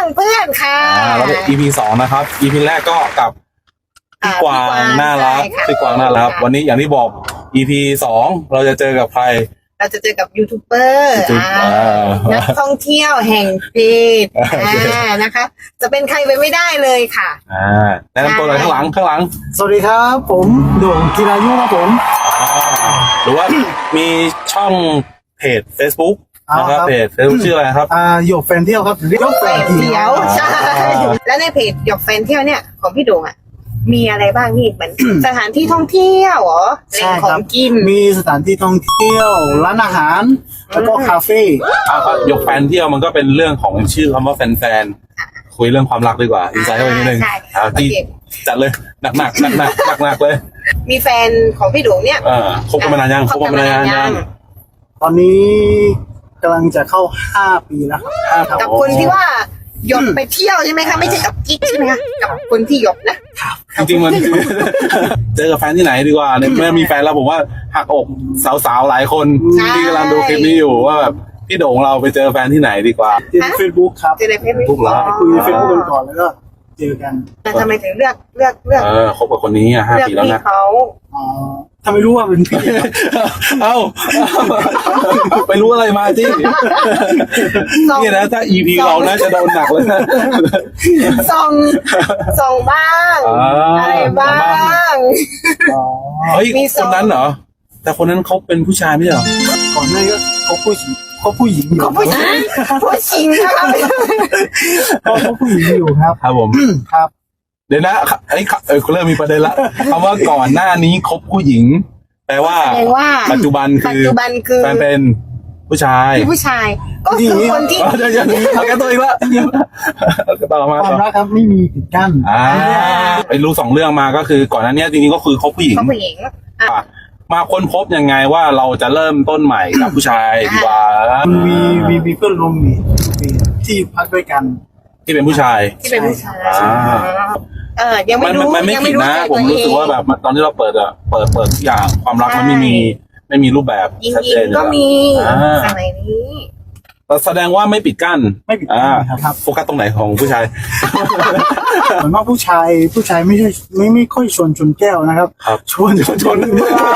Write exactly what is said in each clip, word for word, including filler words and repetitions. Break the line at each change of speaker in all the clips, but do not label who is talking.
เพื่อนค่ะ
แล้วก็ อี พี สองนะครับ อี พี แรกก็กับพี่กวางน่ารักพี่กวางน่ารักวันนี้อย่างที่บอก อี พี สองเราจะเจอกับใคร
เราจะเจอกับยูทูบเบอร์นักท่องเที่ยวแห่งเพจนะคะจะเป็นใครไปไม่ได้เลยค่ะ
อ่าแนะนำตัวเลยข้างหลังข้างหลัง
สวัสดีครับผมโด่งกีฬายุครับผม
หรือว่ามีช่องเพจ Facebook นะครับเพจ Facebook ชื่ออะไรครับ
อ่าหยกแฟนเที่ยวครับ
หยกแฟนเที่ยวใช่แล้วในเพจหยกแฟนเที่ยวเนี่ยของพี่โด่งอ่ะมีอะไรบ้างนี่เหมือนสถานที่ท่องเที่ยวเหรอแหล่งของกิน
มีสถานที่ท่องเที่ยวร้านอาหารแล้วก็คาเฟ่
อ่าหยกแฟนเที่ยวมันก็เป็นเรื่องของชื่อคำว่าแฟนๆคุยเรื่องความรักดีกว่าอินไซต์เข้าไปนิดนึงอ่าที่จัดเลยหนักหนักหนักหนักหนักหนักเลย
มีแฟนของพี่โด่งเนี่ย
อ่าคบกันมานานยังคบกันมานานยัง
ตอนนี้กำลังจะเข้าห้าปีแล้วครับ
กับคนที่ว่าหยกไปเที่ยวใช่ไหมคะไม่ใช่กับกิ๊กใช่ไหมคะกับคนที่หยกนะ
จริงๆมันเจอกับแฟนที่ไหนดีกว่าเนี่ยเมื่อมีแฟนแล้วผมว่าหักอกสาวๆหลายคนที่กำลังดูคลิปนี้อยู่ว่าแบบพี่โด่งเราไปเจอแฟนที่ไหนดีกว่า
เจอในเฟซบุ๊กครับ
เจอในเฟซบุ๊ก
เหรอ
คุยเฟซบุ๊กกันก่อนแล้วก็เจอกัน
แต่ทำไมถึงเลือกเลือกเลือก
เออคบกับคนนี้อ่ะห้าปีแล้วนะ
เขา
อ๋อทำไมรู้ว่าเป็นพี่
เอ้าไปรู้อะไรมาที่นี่นะถ้า อี พี เราน่าจะโดนหนักเลยนะ
ส่งส่งบ้างอะไรบ้าง
เฮ้ยคนนั้นเหรอแต่คนนั้นเขาเป็นผู้ชายไม่ใช่เหรอ
ก่อนหน้าก็เขาผู้หญิงเขาผู้หญิงอยู่
เขาผู้หญิงผู้หญิงนะครับ
เขาผู้หญิงอยู่ครับ
ครับผม
ครับ
เดี๋ยวนะไอ้เออเริ่มมีประเด็นละคำว่าก่อนหน้านี้คบผู้หญิงแปลว่าปัจจุบันคือแฟนเป็นผู้ชาย
ผู้ชายก็คือคนที่
เดี๋ยวๆเอาแก้ตัวอีกละต่อมา
ความรักครับไม่มีปิดกั้น
อ่าไปรู้สองเรื่องมาก็คือก่อนหน้านี้จริงๆก็คือคบผู้หญิง
ผู้หญิง
มาค้นพบยังไงว่าเราจะเริ่มต้นใหม่กับผู้ชายดีกว่า
มีมีมีเพื่อนร่วมมีที่พักด้วยกัน
ที่เป็นผู้ชาย
ที่เป็นผู้ชายเออยังไม่รู้
มันไม่ผิดนะผมรู้สึกว่าแบบตอนที่เราเปิดอะเปิดเปิดทุกอย่างความรักมันไม่มีไม่มีรูปแบบ
ชัดเจนก็มีสมัยนี้
แสดงว่าไม่ปิดกั้น
ไม่ปิดกั้นครับ
โฟกัสตรงไหนของผู้ชาย
เหมือนว่าผู้ชายผู้ชายไม่ใช่ไม่ไม่ค่อยชวนชนแก้วนะครับ
ชวนชวนชน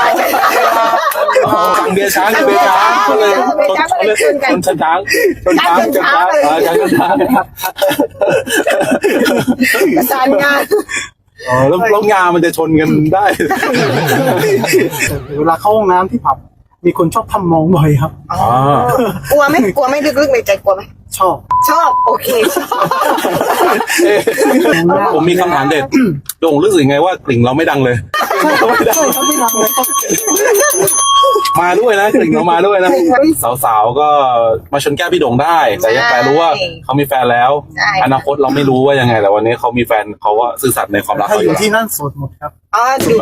ฟังเบียร์ช้างเบียร์ช้างเลยชนชนช้างชนช้างชนช้างเออช้างชนช้างครับ
ประสานงาน
อ๋อแล้วแล้วงานมันจะชนกันได้
เวลาเข้าห้องน้ำที่ผับมีคนชอบทำมองบ่อยครับ
กลัวไหมกลัวไหมลึกๆในใจกลัวไหม
ชอบ
ชอบโอเค
ผมมีคำถามเด็ดโด่งรู้สึกไงว่ากลิ่งเราไม่ดังเลยมาด้วยนะกลิ่งเรามาด้วยนะสาวๆก็มาชนแก้วพี่โด่งได้แต่ยังแต่รู้ว่าเขามีแฟนแล้วอนาคตเราไม่รู้ว่ายังไงแต่วันนี้เขามีแฟนเขาว่าซื่อสัตย์ในความรัก
เขาอยู่ที่นั่นโสดหมดครับ
อ๋อดู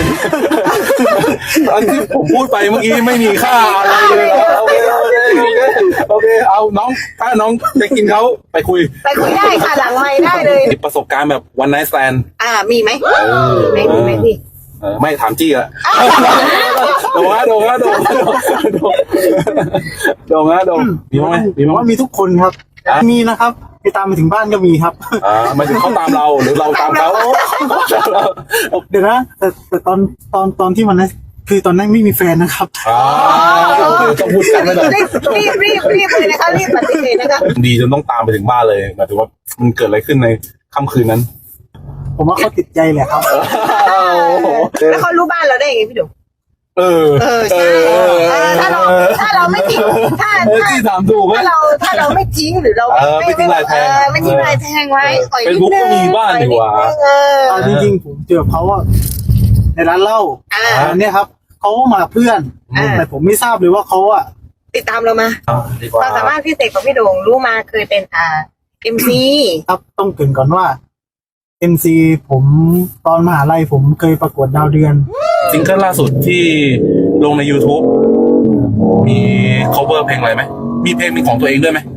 ตอนที่ผมพูดไปเมื่อกี้ไม่มีค่าอะไรเลยโอเคโอเคโอเคเอาน้องถ้าน้องจะกินเขาไปคุย
ไปคุยได้ค่ะหลังไมค์ได้เลย
ประสบการณ์แบบวันไนท์แซน
อ่ามีไหมไม่มีไหมพี่
ไม่ถามจี้อะโดงฮะโดงฮะโดงฮะโดงโดงฮะโดงมีมั้ยมีมั้ย
มีทุกคนครับมีนะครับไปตามไปถึงบ้านก็มีครับ
อ่ามาถึงเขาตามเราหรือเราตามเขา
เดี๋ยวนะแต่แต่ตอนตอนตอนที่มันนะคือตอนนั้นไม่มีแฟนนะครับ
อ๋อต้องพูดกันไม่ได้
รีบรีบรีบเลยนะคะรีบปฏิเสธนะคะ
ดีจนต้องตามไปถึงบ้านเลยหมายถึงว่ามันเกิดอะไรขึ้นในค่ำคืนนั้น
ผมว่าเขาติดใจแหละครับ
แล้วเขารู้บ้านเราได้ยังไงพี่ดุ
เออ
เออใช่ถ้าเราถ้าเราไม่ทิ้งถ้า
ที่ถามถูก
ถ้าเราถ้าเราไม่ทิ้งหรือเรา
ไม่ทิ้งลายแทง
ไม่ทิ้งลายแทงไว้
เป็นบุ๊กก็มีบ้านดีกว่า
จริงๆผมเจอเขาว่าในร้านเหล้าอันนี้ครับเขามาเพื่อนแต่ผมไม่ทราบเลยว่าเขาอะ
ติดตามเรามาความสามารถพิเศษของพี่โด่งรู้มาเคยเป็นอ่าเอ็มซี
ครับต้องเกริ่นก่อนว่าเอ็มซีผมตอนมหาลัยผมเคยประกวดดาวเดือน
ซิงเกิลล่าสุดที่ลงใน YouTube มี cover เพลงอะไรไหมมีเพลงมีของตัวเองด้วยไหม